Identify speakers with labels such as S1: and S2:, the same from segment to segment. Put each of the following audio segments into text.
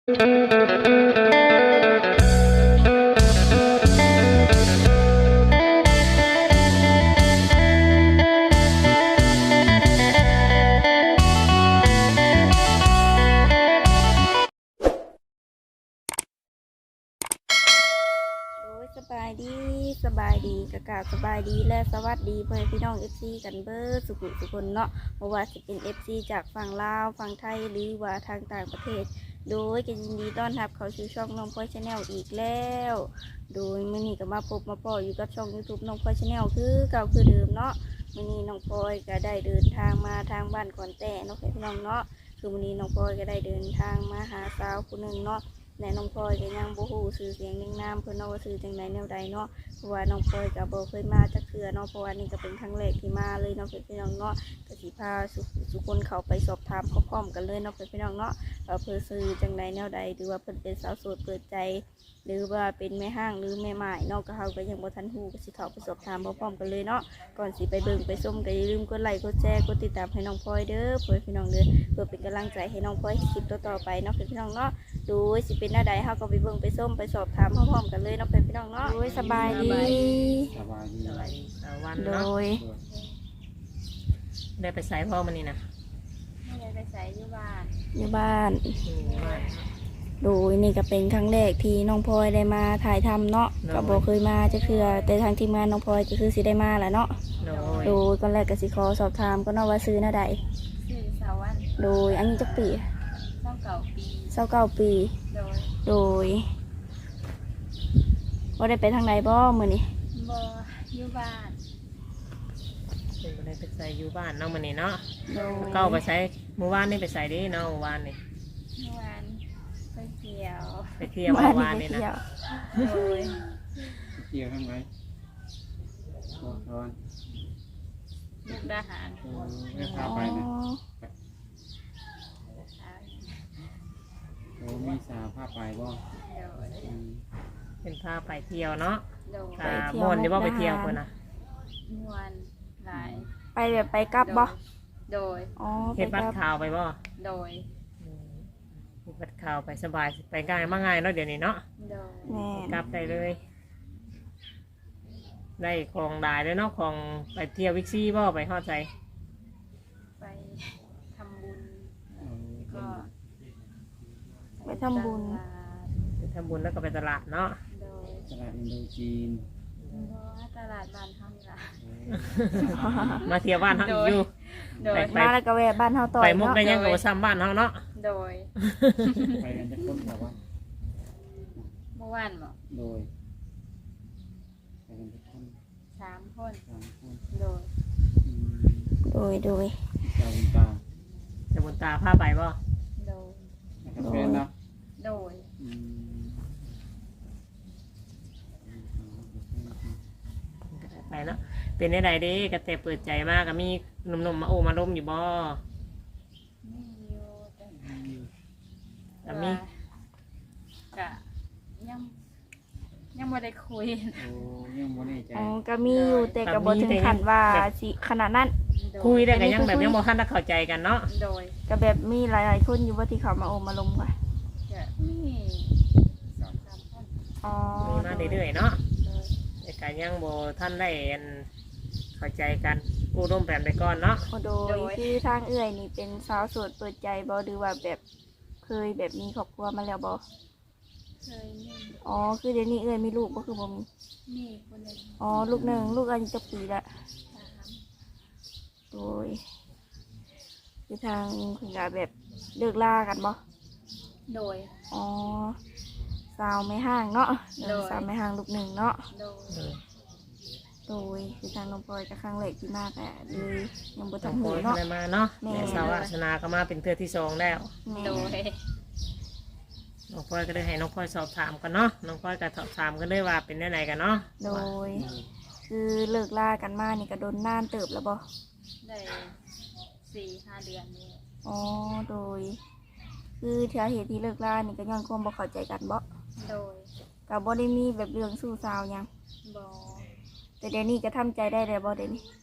S1: สบายดีกะกะสบายดีและสวัสดีเพื่อนพี่น้อง FC กันเบิร์สุขุสุคนเนาะเพราะว่าสิเป็น FC จากฝั่งลาวฝั่งไทยหรือว่าทางต่างประเทศโดยก็ยินดีต้อนรับเขาสู่ช่องน้องพลอยชาแนลอีกแล้วโดยมื้อนี้ก็มาพบมาพออยู่กับช่อง YouTube น้องพลอยชาแนลคือเก่าคือเดิมเนาะมื้อนี้น้องพลอยก็ได้เดินทางมาทางบ้านขอนแต่เนาะพี่น้องเนาะคือมื้อนี้น้องพลอยก็ได้เดินทางมาหาสาวผู้หนึ่งเนาะและน้องพลอยก็ยังบ่ฮู้ชื่อเสียงเรียงนามเพิ่นเนาะว่าชื่อจังไดแนวใดเนาะเพราะว่าน้องพลอยก็บ่เคยมาจักเทื่อเนาะเพราะว่านี่ก็เป็นครั้งแรกที่มาเลยเนาะพี่น้องเนาะก็สิพาทุกคนเข้าไปสอบถามพร้อมๆกันเลยเนาะพี่น้องเนาะว่าเพิ่นชื่อจังไดแนวใดหรือว่าเพิ่นเป็นสาวโสดเปิดใจหรือว่าเป็นแม่ห้างหรือแม่หมายเนาะก็เฮาก็ยังบ่ทันฮู้ก็สิเข้าไปสอบถามพร้อมๆกันเลยเนาะก่อนสิไปเบิ่งไปชมก็อย่าลืมกดไลค์กดแชร์กดติดตามให้น้องพลอยเด้อเพื่อพี่น้องเด้อเพื่อเป็นกำลังใจให้น้องพลอยคลิปต่อๆไปเนาะพี่น้องเนาะดูสิเป็นหน้าใดเฮาก็ไปเบิ่งไปส้มไปสอบถามพร้อมๆกันเลยเนาะพี่น้องเนาะโดยสบายดี
S2: สบายดี
S3: สวัสดีสวัสดี
S1: โด
S3: เนาะ
S1: ย
S3: ได้ไปใส่พ่อมันนี่นะ
S4: ไม่ได้ไปใส่อยู่บ้าน
S1: อยู่บ้าน
S3: บ้าน
S1: โดยนี่ก็เป็นครั้งแรกที่น้องพลอยได้มาถ่ายทำเนาะก็บ่เคยมาจะคือแต่ทางทีมงานน้องพลอยก็คือสิได้มาแหละเนาะ
S3: โดย
S1: โดยก่อนแรกก็สิขอสอบถามก็เนาะว่าซื้อหน้าใด
S4: ชื่อสาวัน
S1: โดยอันนี้จักปี
S4: 29 ปี
S1: 29ปี
S4: โดย
S1: โดยบ่ได้ไปทางใดบ่มื้อนี้
S4: บ่อยู่บ้าน
S3: เป็นบ่ได้ไปใส่อยู่บ้านเนาะมันนี่เนาะ
S1: โดย
S3: เก้าไปใส่เมื่อวานนี่ไปใส่ดิเนาะเมื่อวานนี่
S4: เมื่อวานไปเที่ยว
S3: ไปเที่ยวเมื่อวานนี่นะ
S4: โดย
S2: เกี่ยวทำไงบอกก่อน
S4: มุกดาหาร
S2: ไม่พา
S1: อ๋อ
S2: ไปนะโอ้มีสาวพาไปบ่
S4: โดย
S3: เป็นพาไปเที่ยวเนาะ
S4: โดย
S3: ค่ะม่วนที่ว่าไปเที่ยวคนนะ
S4: ม่วนหลาย
S1: ไปแบบไปกลับบ่
S4: โดย
S1: อ๋อไป
S3: เฮ็ด
S1: ก
S3: บั
S1: ลั
S3: ต
S1: บ
S3: รข่าวไปบ่
S4: โดย
S3: เฮ็ดบัตรข่าวไปสบายไปง่ายมาง่ายเนาะเดี๋ยวนี้เนาะ
S4: โดย
S1: แม่
S3: กลับได้เลย ได้ของได้เลยเนาะของไปเที่ยววิกซี่บ่ไปฮอดใจ
S4: ไปทำบุญ
S2: เออ
S4: ก็
S1: ไปทำบุญ
S4: ตลาด
S3: ไปทำบุญแล้วก็ไปตลาดเนาะ
S4: โดย
S2: ตลาดอินโดจีน
S4: บ่ตลาดบ้านเฮานี่ล่ะ
S3: มาเที่ยวบ้านเฮาอีกอยู่
S4: โดย
S3: ไป
S1: มาแล้วก็แวะบ้านเฮาต่อ
S3: ไป
S1: ย
S3: มุก
S1: เนาะ
S3: ได้ยังกับซ้ำบ้านเฮาเนาะ
S4: โดย
S2: ไปกันจะคนแบบว่า
S4: เมื่อวานบ่
S2: โดยไปกันจะคน
S4: 3 คน
S2: 3 คน
S4: โดย
S2: อืม
S1: โดย
S2: เจ้าคุณตา
S3: จะบุญตาพาไปบ่
S4: โดย
S2: แล้วก็แฟนนะ
S4: โดย
S2: อืม
S3: ไปเนาะเป็นได้ใดเด้กระแตเปิดใจมากก็มีหนุ่มๆมาโอ้มาล้มอยู่บ่
S4: มีอยู่แต่
S3: แต่มี
S4: กะยังบ่ได้คุย
S2: โอ้ยังบ่แน่ใจ
S1: อ๋อก็มีอยู่แต่ก็บ่ถึงขั้นว่าสิขนาดนั้น
S4: โด
S3: คุย
S4: ย
S3: ได้ก็ยังแบบยังบ่ทันได้เข้าใจกันเนาะ
S4: โดย
S1: ก็แบบมีหลายๆคนอยู่ว่าที่เขามาโอมมาลมกัน
S4: กะมี2-3 คน
S1: อ๋อ
S3: มีมาเรื่อยๆเนาะ
S4: โดย
S3: แต่ก็ยังบ่ทันได้อันเข้าใจกันกู้ร่วมแปมไปก่อนเนาะ
S1: โดยคือทางเอื้อยนี่เป็นสาวโสดเปิดใจบ่หรือว่าแบบเคยแบบมีครอบครัวมาแล้วบ่
S4: เคยมี
S1: อ๋อคือเดี๋ยวนี้เอื้อยมีลูกบ่คือบ่มี
S4: มีคนหนึง
S1: อ๋อลูกหนึ่งลูกอายุจักปีละ
S4: ถาม
S1: โดยคือทางคุณกาแบบเลิกลากันบ่
S4: โดย
S1: อ๋อสาวไม่ห่างเนาะ
S4: โดย
S1: สาวไม่ห่างลูกหนึ่งเนาะ
S4: โดย
S3: เออ
S1: โดยคือทางน้องพลอยจะครั้งแรกที่มากอะเลยยังบ่
S3: ต้
S1: ทั
S3: อน ง
S1: หู
S3: โอย
S1: เนาะ
S3: อะไรมาเนาะ
S1: แม่
S3: แต่สาวาสนาก็มาเป็นเทือที่สองแล้ว
S1: แม่
S4: โดย
S3: น้องพลอยก็ได้ให้น้องพลอยสอบถามกันเนาะน้องพลอยก็สอบถามกันเลยว่าเป็นได้ไหนกันเนาะ
S1: โดย คือเลิกลากันมานี่ก็โดนนานเติบแล้วบ่
S4: ได้4-5 เดือนนี่
S1: อ๋อโดย คือสาเหตุที่เลิกลานี่ก็ย้อนความบ่เข้าใจกันบ่
S4: โดย
S1: ก็บ่ได้มีแบบเรื่องสู้สาวหยัง
S4: บ่
S1: แต่เดี๋ยวนี้ก็ทำใจได้แล้วบ่เดี๋ยวนี้
S4: ท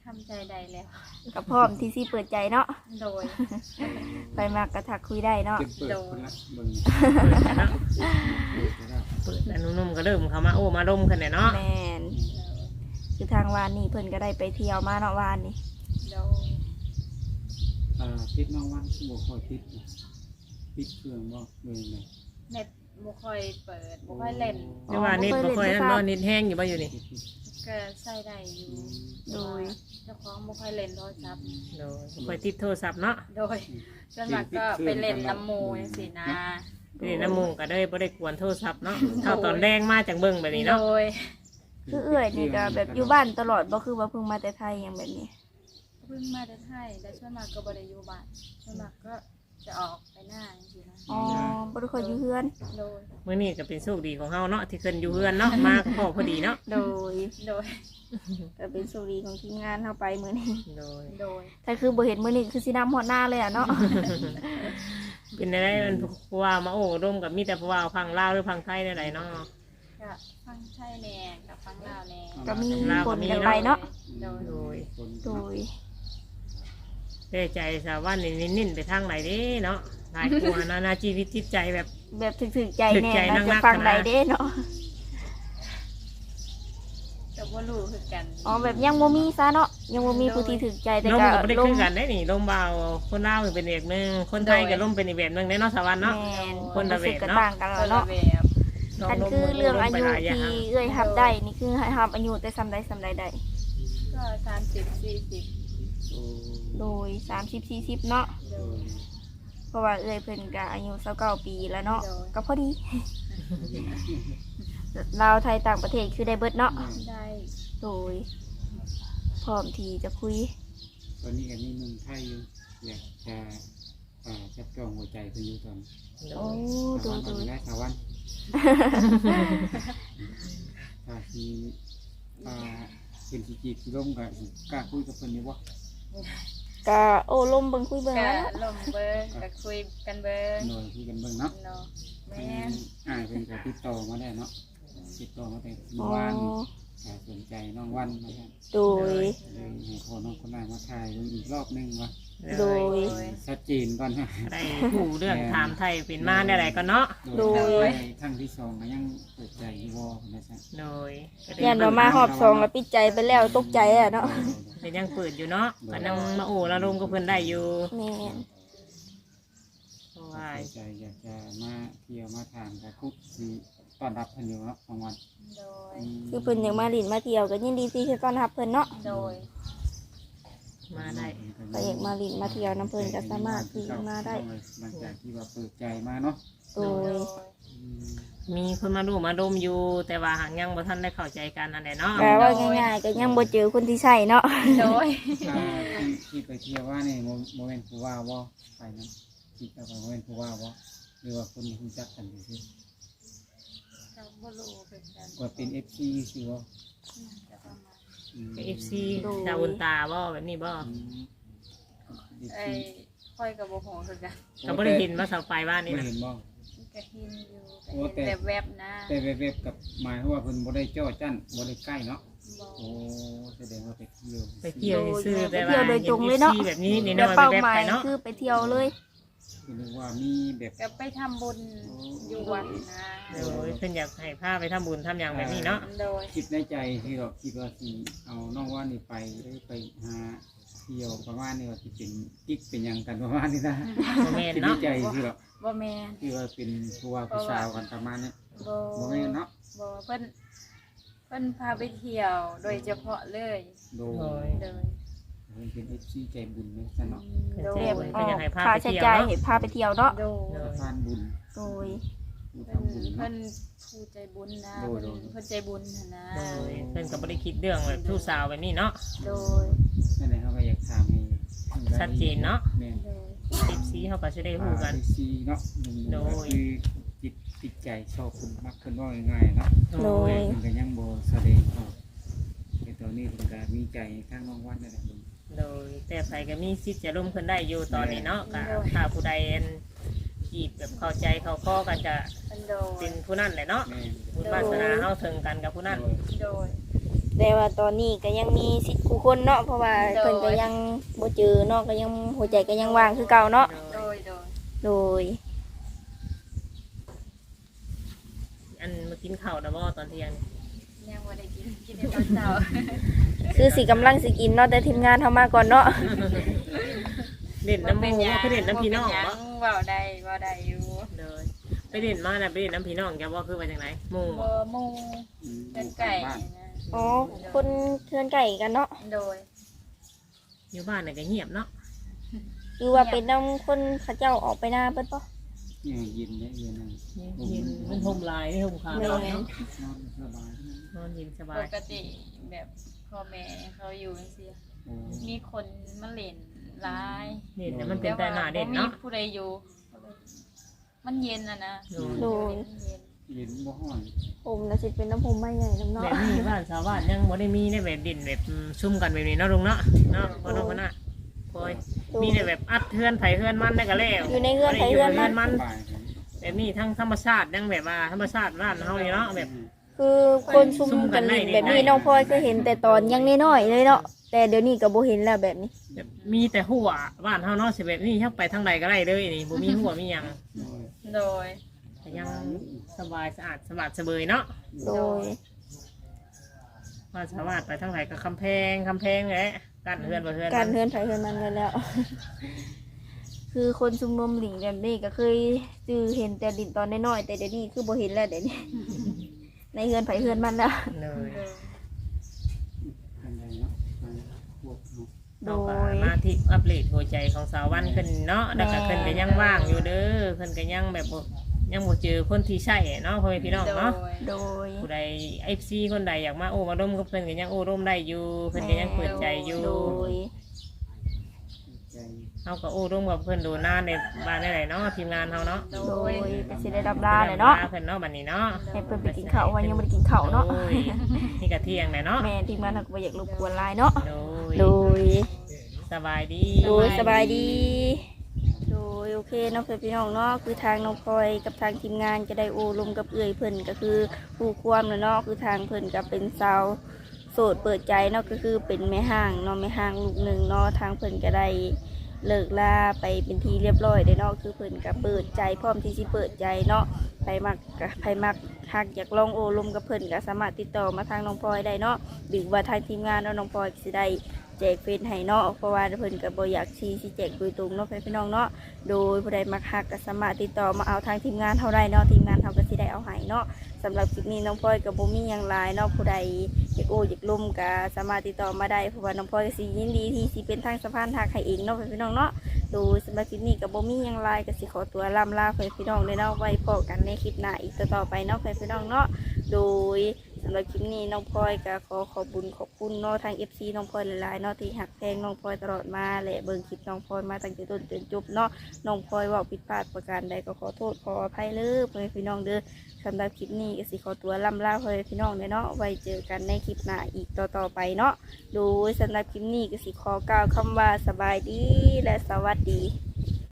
S4: ำใจได้แล้ว
S1: ก็พร้อมที่สิเปิดใจเนาะ
S4: โดย
S1: ไปมากกระทักคุยได้เนาะ
S2: เก็บเปิดคนละเบิ่ง
S3: เปิดกันเนาะ
S2: เปิดก็ได้
S3: เปิดแล้วนุ่มๆก็เริ่มเข้ามาโอ้มาดมกันเนี่ยเนาะ
S1: แม่นคือทางวานนี่เพิ่นก็ได้ไปเที่ยวมาเนาะวานนี่
S4: โดย
S2: ติดน้องวันบ่ค่อยติดนะติดเครื่องบ่เลยไง
S4: เน็ตบ่ค่อยเปิดบ่ค่อยเล่น
S3: แต่ว่านิดบ่ค่อยนั่นบ่นิดแห้งอยู่บ่อยู่นี่
S4: ก็ใช้ได้อยู่
S1: โดย
S4: เจ้าของบ่ค่อยเล่นโทรศัพท์
S3: โดยบ่ค่อยติดโทรศัพท์เนาะ
S4: โดยส่วนมากก็ไปเล่นน้ำหมูจังซี่นะ
S3: ไปเล่นน้ำหมูก็ได้บ่ได้กวนโทรศัพท์เนาะเข้าตอนแรงมาจังเบิ่งแบบนี้
S4: โด
S3: เนาะ
S4: ย
S1: คือเอื้อยนี่ก็แบบอยู่บ้านตลอดบ่คือว่าเพิ่งมาแต่ไทยอย่างแบบนี้
S4: เพิ่งมาได้ไทยแต่ส่วนมากก็บ่ได้อยู่บ้านส่วนมากก็จะออกไปหน้าจังซี่นะ
S1: อ๋อบ่ได้ค่อยอยู่เฮือน
S4: โดย
S3: มื้อนี้ก็เป็นโชคดีของเฮาเนาะที่เพิ่นอยู่เฮือนเนาะมาก็พอดีเนาะ
S1: โดย
S4: โดย
S1: ก็เป็นโชคดีของทีมงานเฮาไปมื้อนี้
S3: โดย
S4: โดย
S1: ถ้าคือบ่เห็นมื้อนี้คือสิน้ำฮอดหน้าเลยอ่ะเนาะ
S3: เป็นได้มันผู้ว่ามาโอ้ร่วมกับมีแต่ผู้ว่าฟังลาวหรือฟังไทยได้ไหนเนาะ
S4: ก็ฟังไทยแหน่กับฟังลาวแหน่
S1: ก็มีคนกันไปเนาะ
S4: โดย
S3: โดย
S2: คน
S1: โดย
S3: ได้ใจสาวว่านิ่นๆไปทางไหนเด้เนาะหลายกลัวนานาชีวิตจิตใจแบบ
S1: แบบถึกๆใจแน่
S3: ถึกใจ
S1: นะ
S3: นั
S1: จะ
S3: กๆ
S1: ฟัง
S3: นะ
S1: ใดเด้เนาะ
S4: ก็บ่รู้คือกัน
S1: อ๋อแบบยังบ่มีซะเนาะยังบ่มีผู้ที่ถึกใจแต่
S3: ลม
S1: ก็
S3: ก็ไม่ได้
S1: ล
S3: ขึ้
S1: ม
S3: นกันได้นี่ลมเบาคนลาวเป็นอีกหนึ่งคนไทยก็ลมเป็นอีกแบบหนึงได้เนาะสวรรค์เนาะ
S1: แม่น
S3: คนละเวท
S1: ก็
S3: เนาะ
S1: ต่างกัน
S4: ค
S1: แล้ว
S4: นละ
S1: เนาะ
S4: แบบ
S1: อันคือเรื่องอายุ
S3: ลมไปหลายอย่าง
S1: ที่เอ้ยรับได้นี่คือให้รับอายุแต่ซ้ำใดซ้ำใดได้
S4: ก็30-40
S2: โอ้
S1: โดย30 40เนาะ
S4: โดย
S1: เพราะว่าเอ้ยเพิ่นก็อายุ29ปีแล้วเนาะ
S4: โดย
S1: ก็พอดี ลาวไทยต่างประเทศคือได้เบิดเนาะ
S4: ได้
S1: โดยพร้อมที่จะคุย
S2: ตอนนี้ก็มีหนุ่มไทยอยู่อยากจะจับจองหัวใจเพิ่นอยู่ตอน
S3: โด
S1: โอ้
S3: ย
S1: โด
S2: สาวย วัน
S1: โดย
S2: ได้สาวันถ้าสิเป็นสิจีบสิร่มก็สิกล้าคุยกับเพิ่นอยู่บ่
S1: ก็โอ้ลมเบิ่งคุยเบิ่ง
S4: ก็
S1: แล้ว
S4: ลมเบิ้งก็คุยกันเบิ้ง
S2: หน่อยคุยกันเบิ่งเนาะ
S4: เนาะแม่น
S2: เพิ่นก็ติดต่อมาได้เนาะติดต่อมาแต่เมื่
S1: อ๋
S2: อ
S1: อ
S2: วานก็สนใจน้องวันนะครับ
S1: โดย
S2: เลยให้พ่อน้องคนนั้นมาถ่ายอีกรอบหนึงว่า
S1: โดย
S2: ชัดเจนก่อนนะ
S3: ได้ผู้เรื่องถามไทยเป็นมาได้ไหนก็เนาะ
S1: โดย
S2: ทั้งที่สองก็ยังเปิดใจอยู่บ่นะจ๊ะ
S3: โดยก็ได้
S1: ยันว่ามาหอบซองแล้วปิดใจไปแล้วตกใจอ่ะเนาะ
S3: แต่ยังเปิดอยู่เนาะก็นั่งมาโอ้ละลมก็เพิ่นได้อยู่
S1: แม่น
S3: เพราะว่า
S2: เปิดใจอยากจะมาเที่ยวมาทานกับคุกสิต้อนรับเพิ่นอยู่เนาะบางวัน
S4: โดย
S1: คือเพิ่นอยากมาลินมาเที่ยวก็ยินดีที่จะต้อนรับเพิ่นเนาะ
S4: โดย
S3: มาได้
S1: ก็อยากมาลินมาเที่ยวน้ำเพิ่นก็สามารถที่มาได้
S2: หลังจากที่ว่าเปิดใจมาเนาะ
S1: โดย
S2: อืม
S3: มีคนมาดูมาดมอยู่ แต่ว่าหางยังบ่ทันได้เข้าใจกันอันใดเนาะ
S1: แปลว่าง่ายๆก็ยังบ่เจอคนที่ใช่เนาะ
S4: โดย
S2: ที่ไปเที่ยวว่านี่โมเมนต์ผู้ว่าบ่ไปนั้นคิดว่าโมเมนต์ผู้ว่าบ่หรือว่าคนรู้จักกันซื่อ
S4: ก็บ่รู้คือกัน
S2: ๆว่าเป็น FC สิบ่
S4: จะประมาณ
S2: อืม
S3: เอฟซีดาวอุนตาบ่แบบนี้บ่
S2: อืม
S4: ไอ้ค่อยก็บ่ฮู้คือกัน
S3: ก็บ่ได้เห็นว่าเสาไฟบ้านนี่
S2: ไม่
S3: นะ
S2: เห็นบ่
S4: ก็เห็นอยู่
S2: โอ้
S4: ก็
S2: แต่
S4: เห็นแวบๆนะ
S2: แต่เว็บๆกับหมายความว่าเพิ่นบ่ได้จ้อจั้นบ่ได้ใกล้เนาะ
S4: บ่
S2: โอ้แสดงว่าไปเที่ยว
S3: ไปเที่ยวซื่อๆแต่ว่า
S1: ไปเที่ยวโดยตรงเลยเนาะ
S3: ห็ FC แบบนี้นี่
S1: แต่
S3: น้อย
S1: เป้า
S3: แบบ
S1: หมา
S3: ไป
S1: ย
S3: เนาะ
S1: คือไปเที่ยวเลย
S2: คือนึกว่ามีแบบ
S4: ก็ไปทำบุญอยู่วัดนะ
S3: โดยเพิ่นอยากให้พาไปทำบุญทำอย่างแบบนี้เนาะ
S4: โดย
S2: คิดในใจที่เราคิดว่าสิเอาน้องว่านี่ไปหรือไปหาเที่ยวประมาณนี้ว่าสิเป็นกิ๊กเป็นหยังกันประมาณนี้นะ
S3: บ่แม่น
S2: คิดใน
S3: เนาะ
S2: ใจที่เรา
S4: บ่แม่น
S2: ที่ว่าเป็นผู้ว่าผู้สาวกันประมาณนี้
S4: บ่
S2: บ่แม่นเนาะ
S4: บ่เพิ่นพาไปเที่ยวโดยเฉพาะเลย
S2: โด
S3: โด
S2: ย
S3: ย
S4: โดย
S2: เพิ่นเป็น FC ใจบุญเลยซะเนาะ
S4: โด
S3: เพิ่
S4: ย
S3: นเพิ่นอยากให้พา
S1: ค่า
S3: ไป
S1: ใช้
S3: เที่ยว
S1: จ่าย
S3: เนาะ
S1: ให้พาไปเที่ยวเนาะ
S4: โดย
S3: โดย
S2: ทานบุญ
S1: โดย
S2: ผู้
S4: เพิ่น
S2: ทำบุญ
S4: เพิ่
S2: เนาะ
S4: นผู้ใจบุญนะ
S2: โดย
S4: เพิ่นใจบุญน่ะนะ
S3: โดยเพิ่นก็บ่ได้คิดเรื่องแบบผู้สาวแบบนี้เนาะ
S4: โดย
S2: นั่นแหละเขาก็อยากถามให้
S3: ชัดเจนเนาะ
S2: แม่น
S4: โดย
S3: FC เฮาก็สิได้ฮู้กัน
S2: ซีเนาะ
S3: โดย
S2: คือจิตติดใจชอบคุณมักเพิ่นว่าง่ายๆเนาะ
S1: โดย
S2: เพิ่นก็ยังบ่แสดงออกแต่ตอนนี้เพิ่นก็มีใจทางน้องวันนั่นแหละเพิ่น
S3: โดยแต่ไผก็มีสิทธิ์จะร่วมขึ้นได้อยู่ตอนนี้เนาะก็ถ้าผู้ใดอันจีบแบบเข้าใจเข้าข้อกันจะ
S4: เพิ่นโดย
S3: เป็นผู้นั้นแหละเนาะ
S2: แม่น
S3: บุญวาสนาเฮาถึงกันกับผู้นั้น
S2: โดย
S4: โดย
S1: แต่ว่าตอนนี้ก็ยังมีสิทธิ์คู่คนเนาะเพราะว่าเพิ่นก็ยังบ่เจอเนาะก็ยังหัวใจก็ยังว่างคือเก่าเนาะ
S4: โดย
S1: โดย
S3: อันมากินข้าวนะบ่ตอนเที่ยง
S4: ยังบ่ได้กินในตอนเช้า
S1: คือสิกำลังสิกินเนาะแต่ทีมงานเฮามาก่อนเนาะ
S3: เด่นน้ำหมูบ่คือเด่นน้ำพี่น้อง
S4: บ่
S3: บ่
S4: เว้าได้อยู่
S3: เลยไปเด่นมาน่ะไปเด่นน้ำพี่น้องจะว่าคือว่าจังไดหมู่บ่
S4: บ่หมู่เป็นไก่นะ
S1: อ๋อคนเทือนไก่กันเนาะ
S4: โดย
S3: อยู่บ้านน่ะก็เงียบเนาะ
S1: คือว่าเป็นนำคนเขาเจ้าออกไปหน้าเพิ่นบ่
S2: เนี่ยยินเนี่ยเย็นนั่น
S3: เย็นมันห่มลายห่มขาว
S1: แม่
S3: เนาะ
S2: นอนสบาย
S3: นอนเย็นสบา
S4: ป
S3: ย
S4: กติแบบพ่อแม่เขาอยู่จังซี่
S2: โอ้
S4: มีคนมาเล่นหลาย
S3: เด่นเนี่ยมันเป็นแต่หน้าเด่นเนาะ
S4: แต่ว่บ่มีผู้ใดอยู่มันเย็นนะ
S1: โดย
S4: มันเย็น
S2: เย็นบ่ฮ้อน
S1: ผมน่ะสิเป็นน้ำผมไม่ใหญ่น้ำ
S3: แบ
S1: เนาะ
S3: บนี้บ้านชาวบ้านยังบ่ได้มีได้แบบเด่นแบบซุ่มกันแบบนี้เนาะลุงเนาะเนาะบ่ต้องคนน่ะโอยมีแต่แบบอัดเทือนไผเทือนมันได้ก็แล้ว
S1: อยู่ในเฮือนไผเฮือนมัน
S3: มัน
S2: สบายครับ
S3: แบบนี้ทั้งธรรมชาติยังแบบว่าธรรมชาติบ้านเฮานี่เนาะแบบ
S1: คือคนซุ่มกันเล่นแบบนี้น้องพลอยก็เห็นแต่ตอนยังน้อยๆเลยเนาะแต่เดี๋ยวนี้ก็บ่เห็นแล้วแบบนี้
S3: แบบมีแต่หัวบ้านเฮาเนาะสิแบบนี้ยักไปทางใดก็ได้เลยนี่บ่มีหัวมีหยัง
S2: โอ้ย
S4: โดย
S3: แต่ยังสบายสะอาดสะบัดสะเบยเนาะ
S1: โดย
S3: ว่าสามารถไปทางไหนก็คำแพงแหละกันเฮือนบ่เฮือน
S1: การ
S3: มัน
S1: เฮือนไผเฮือนมันกันแล้ว คือคนซุ่มรวมหลิงแบบนี้ก็เคยจือเห็นแต่ดินตอนน้อยๆแต่เดี๋ยวนี้คือบ่เห็นแล้วเดี๋ยวนี้ ในเฮือนไผเฮือนมันแล้ว
S3: เลย
S4: โดย
S2: อันใดเนาะอันพวกเนาะ
S1: โด
S3: เราก็
S1: ย
S3: มาที่อัปเดตหัวใจของสาววันขึ้นเนาะแล้วก็ขึ้นก็ยังว่างอยู่เด้อขึ้นก็ยังแบบบ่ยังบ่เจอคนที่ใช่เนาะพ่อแม่พี่น้องเนาะ
S1: โดย
S3: ผู้ใด FC คนใดอยากมาโอ้มาร่วมกับเพิ่นก็ยังโอ้ร่วมได้อยู่เพิ่นก็ยังเปิดใจอยู่
S1: โดย
S2: ใจ
S3: เฮาก็โอ้ร่วมกับเพิ่นโดนหน้าในบ้านได้ไหนเนาะทีมงานเฮาเนาะ
S1: โดยก็สิได้รับลาเลยเนาะ
S3: เพิ่นเนาะบัดนี้เนาะ
S1: ให้เพิ่นไปกินข้าววันยังบ่ได้กินข้าวเนาะ
S3: โอ้ยนี่ก็เที่ยงแหละเนาะ
S1: แม่ทีมงานเราก็บ่อยากรบกวนหลายเนาะ
S3: โดย
S1: โดย
S3: สบายดี
S1: โดยสบายดี โดยโอเคเน้องเพื่อนพี่น้องเนาะคือทางน้องพลอยกับทางทีมงานจะได้โอลมกับเอื่อยเพิ่นก็คือผู้ความเนาะคือทางเพิ่นก็เป็นสาวโสดเปิดใจเนาะก็คือเป็นแม่ห้างเนาะแม่ห้างลูกหนึ่งเนาะทางเพิ่นก็ได้เลิกลาไปเป็นที่เรียบร้อยได้เนาะคือเพิ่นก็เปิดใจพร้อมที่สิเปิดใจเนาะใครมักก็ใครมักหากอยากลองโอลมกับเพิ่นก็สามารถติดต่อมาทางน้องพลอยได้เนาะหรือว่าทางทีมงานเนาะน้องพลอยก็สิได้ แจกเฟซให้เนาะเพราะว่าเพิ่นก็บ่อยากชี้สิแจกโดยตรงเนาะพี่น้องเนาะโดยผู้ใดมักฮักก็สามารถติดต่อมาเอาทางทีมงานเฮาได้เนาะทีมงานเฮาก็สิได้เอาให้เนาะสำหรับคลิปนี้น้องพลอยก็บ่มีหยังหลายเนาะผู้ใดอยากโอ้อยากลมก็สามารถติดต่อมาได้เพราะว่าน้องพลอยก็สิยินดีที่สิเป็นทางสะพานหักให้เองเนาะพี่น้องเนาะโดยสำหรับคลิปนี้ก็บ่มีหยังหลายก็สิขอตัวล่ำลาพี่น้องเลยเนาะไว้พบกันในคลิปหน้าอีกต่อๆไปเนาะพี่น้องเนาะโดย สำหรับคลิปนี้น้องพลอยก็ขอบคุณเนาะทาง FC น้องพลอยหลายๆเนาะที่หักแพงน้องพลอยตลอดมาและเบิ่งคลิปน้องพลอยมาตั้งแต่ต้นจนจบเนาะน้องพลอยเว่าผิดพลาดประการใดก็ขอโทษขออภัยเลยเพื่อนพี่น้องเด้อสำหรับคลิปนี้ก็สิขอตัวล่ำลาเพื่อนพี่น้องเนาะไว้เจอกันในคลิปหน้าอีกต่อไปเนาะโดยสำหรับคลิปนี้ก็สิขอกล่าวคำว่าสบายดีและสวัสดี